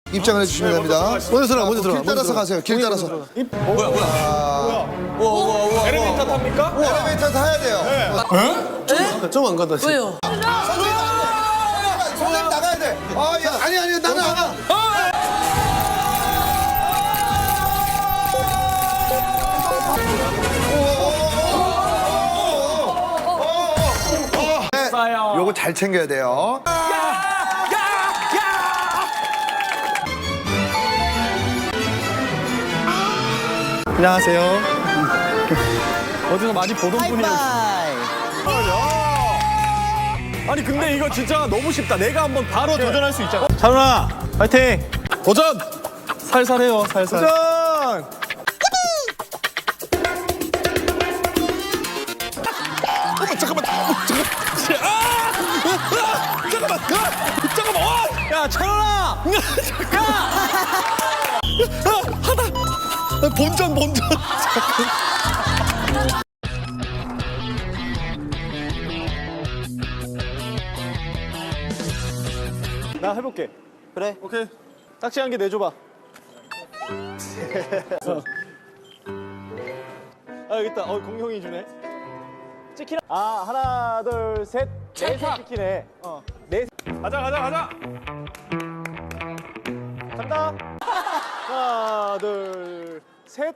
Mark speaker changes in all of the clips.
Speaker 1: 입장을 해주시면 됩니다.
Speaker 2: 먼저 들어가, 먼저 들어가.
Speaker 1: 길 따라서 가세요. 길 따라서.
Speaker 3: 엘리베이터 탑니까?
Speaker 1: 엘리베이터 타야 돼요.
Speaker 2: 좀 안 간다.
Speaker 4: 왜요?
Speaker 1: 선생님 나가야 돼. 아니 나는 안 가. 요거 잘 챙겨야 돼요.
Speaker 2: 안녕하세요.
Speaker 3: 어디서 많이 보던 분이에요. 아니 근데 이거 진짜 너무 쉽다. 내가 한번 바로 도전할 수 있잖아.
Speaker 2: 찬훈아, 파이팅!
Speaker 3: 도전!
Speaker 2: 살살해요, 살살.
Speaker 3: 도전! 잠깐만!
Speaker 2: 야, 찬훈아!
Speaker 3: 본전! 나 해볼게.
Speaker 2: 그래.
Speaker 3: 오케이. 딱지 한 개 내줘봐. 여기 있다. 공룡이 주네. 찍히나? 하나, 둘, 셋. 넷에 찍히네. 넷. 가자. 간다. 하나, 둘, 셋.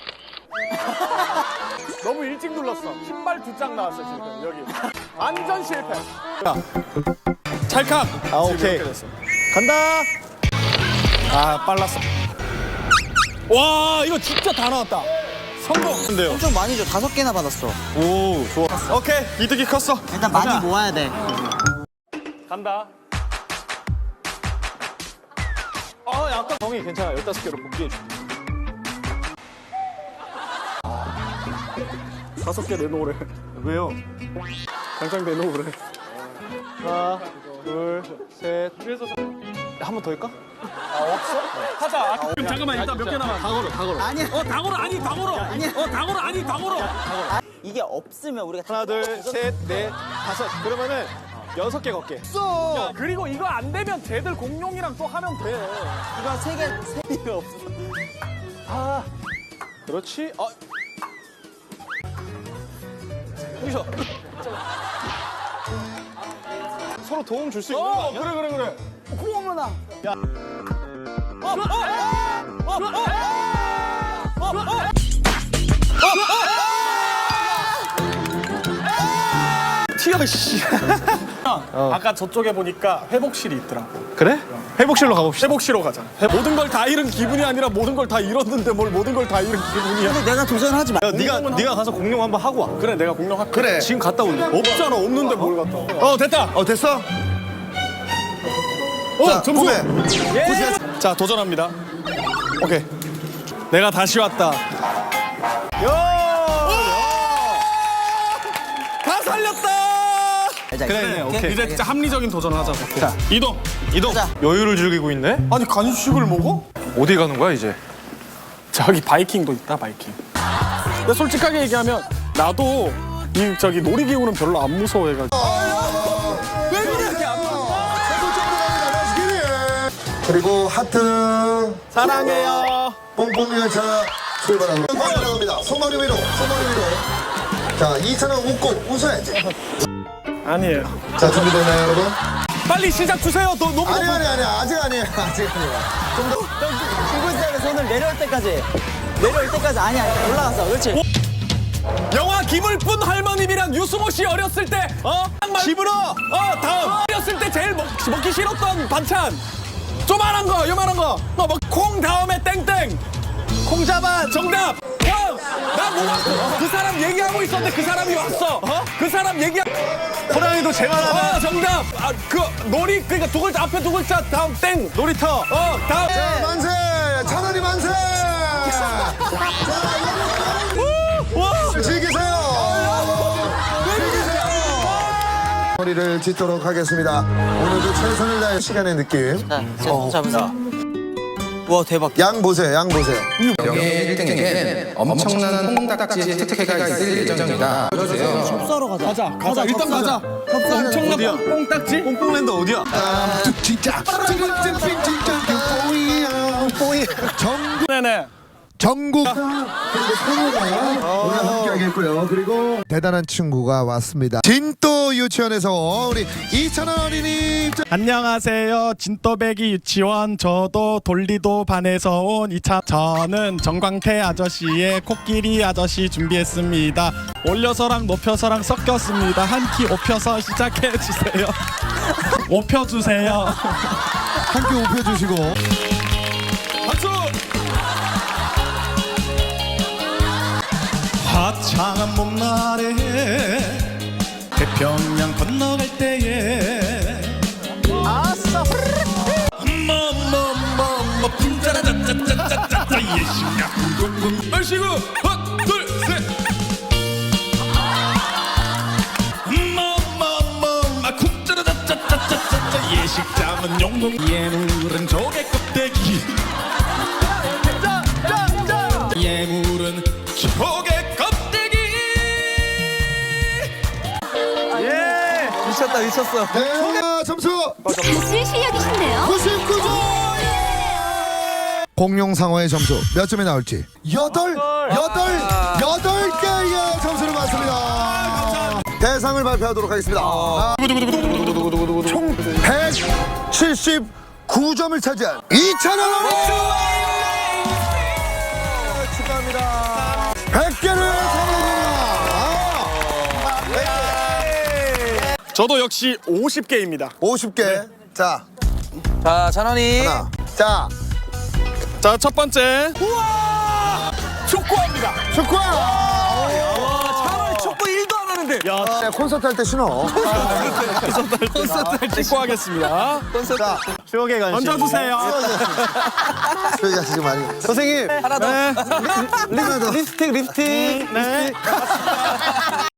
Speaker 3: 너무 일찍 눌렀어. 신발 2짝 나왔어, 지금. 여기. 완전 실패. 찰칵. 오케이. 간다. 빨랐어. 와, 이거 진짜 다 나왔다. 성공. 근데요.
Speaker 4: 엄청 많이 줘. 5개나 받았어.
Speaker 3: 오, 좋아. 오케이, 이득이 컸어.
Speaker 4: 일단 많이 모아야 돼.
Speaker 3: 간다. 약간 정이 괜찮아. 15개로 복귀해줄게. 5개 내놓으래.
Speaker 2: 왜요?
Speaker 3: 당장 내놓으래. 하나, 둘, 셋. 한 번 더 할까? 없어? 하자. 잠깐만, 일단 몇 개 남았어? 다 걸어.
Speaker 4: 아니야.
Speaker 3: 다 걸어, 다 걸어. 다 걸어.
Speaker 4: 이게 없으면 우리가
Speaker 3: 하나, 둘, 셋, 넷, 5. 그러면은 6개 걷게. 야, 그리고 이거 안 되면 쟤들 공룡이랑 또 하면 돼.
Speaker 4: 이거 3개 없어.
Speaker 3: 그렇지. 여기서. 서로 도움 줄 수 있는 거 아니야? 그래.
Speaker 4: 어머나.
Speaker 3: 튀어, 씨. 아까 저쪽에 보니까 회복실이 있더라고.
Speaker 2: 그래? 회복실로 가봅시다.
Speaker 3: 회복실로 가자. 모든 걸 다 잃은 기분이 아니라 모든 걸 다 잃었는데 뭘 모든 걸 다 잃은 기분이야.
Speaker 4: 근데 내가 도전하지 마.
Speaker 2: 야, 네가 가서 공룡 한번 하고 와.
Speaker 3: 그래, 내가 공룡 할게.
Speaker 1: 그래.
Speaker 2: 지금 갔다 올래.
Speaker 3: 없잖아, 없는데 뭘 갔다 와. 됐다.
Speaker 1: 됐어? 자,
Speaker 3: 점수.
Speaker 1: 공개.
Speaker 3: 예. 자, 도전합니다. 오케이. 내가 다시 왔다. 다 살렸다.
Speaker 2: 그래, 오케이.
Speaker 3: 이제 진짜 합리적인 도전을 하자고. 자, 이동.
Speaker 4: 가자.
Speaker 2: 여유를 즐기고 있네?
Speaker 3: 아니, 간식을 먹어?
Speaker 2: 어디 가는 거야, 이제?
Speaker 3: 저기 바이킹도 있다, 바이킹. 근데 솔직하게 얘기하면 나도 저기 놀이기구는 별로 안 무서워해가지고.
Speaker 1: 그리고 하트.
Speaker 3: 사랑해요.
Speaker 1: 뽕뽕 열차 출발합니다. 나갑니다. 소머리 위로. 자, 2차는 웃고 웃어야지.
Speaker 3: 아니에요.
Speaker 1: 자, 준비됐나요, 여러분?
Speaker 3: 빨리 시작 주세요. 너무
Speaker 1: 아니, 아직 아니에요. 좀더
Speaker 4: 들고 있어야 돼. 손을 내려올 때까지. 아니야. 올라갔어. 그렇지.
Speaker 3: 영화 김을뿐 할머님이랑 유승호 씨 어렸을 때 집으로 다음 어렸을 때 제일 먹기 싫었던 반찬 조만한 거 요만한 거 콩 다음에 땡땡 콩 잡아 정답 나그 사람 얘기하고 있었는데 그 사람이 왔어 그 사람
Speaker 2: 호랑이도 제발
Speaker 3: 정답 그 놀이 그러니까 두 글자 앞에 두 글자 다음 땡 놀이터 다음
Speaker 1: 자, 만세! 차라리 만세! 즐기세요! 머리를 짓도록 하겠습니다. 오늘도 최선을 다해 시간의 느낌.
Speaker 4: 자, 잡으세요. 와, 대박.
Speaker 1: 양 보세요.
Speaker 5: 명예 1등에겐 엄청난 콩딱지의 특혜가 있을 예정입니다. 보여주세요.
Speaker 4: 섭사로 가자.
Speaker 3: 가자 일단 가자 엄청난 뽕딱지
Speaker 2: 뽕뽕랜드 어디야?
Speaker 1: 진짜. 정국
Speaker 3: 네네.
Speaker 1: 정국 그리고 성우가 오늘 함께하겠고요. 그리고 대단한 친구가 왔습니다. 진도 유치원에서 우리 이찬원 어린이.
Speaker 6: 안녕하세요. 진또배기 유치원 저도 돌리도 반에서 온 이차. 저는 정광태 아저씨의 코끼리 아저씨 준비했습니다. 올려서랑 높여서랑 섞였습니다. 한 키 높여서 시작해 주세요. 높여 주세요.
Speaker 1: 함께 웃겨주시고.
Speaker 3: 박수.
Speaker 6: 화창한 봄날에 태평양 건너갈 때에 뭐뭐뭐뭐 풍자라짜짜짜짜짜 예심야 궁금궁
Speaker 3: 얼씨구 하나 둘셋
Speaker 6: 뭐뭐뭐뭐 쿵짜라짜짜짜짜짜 예식장은 용궁 예물은 조개 껍데기 예물은 조개 껍데기.
Speaker 4: 미쳤다 미쳤어.
Speaker 1: 네, 점수
Speaker 7: 무슨 실력이신데요?
Speaker 1: 99점. 공룡 상어의 점수 몇 점이 나올지 8개의 점수를 받습니다. 대상을 발표하도록 하겠습니다. 총 179점을 차지한 이찬원 어린이 축하합니다. 100개를 선물합니다.
Speaker 3: 저도 역시 50개입니다.
Speaker 1: 50개. 자,
Speaker 4: 자 찬원이.
Speaker 1: 하나. 자,
Speaker 3: 자, 첫 번째. 우와! 축구합니다.
Speaker 1: 축구.
Speaker 4: 찬원이 축구 1도 안 하는데.
Speaker 1: 야, 콘서트 할 때 신어.
Speaker 3: 축구하겠습니다.
Speaker 1: 자,
Speaker 6: 추억의 간식.
Speaker 3: 던져주세요.
Speaker 1: 저희가 지금 많이.
Speaker 4: 선생님 하나 더.
Speaker 3: 네.
Speaker 4: 립스틱.
Speaker 3: 네.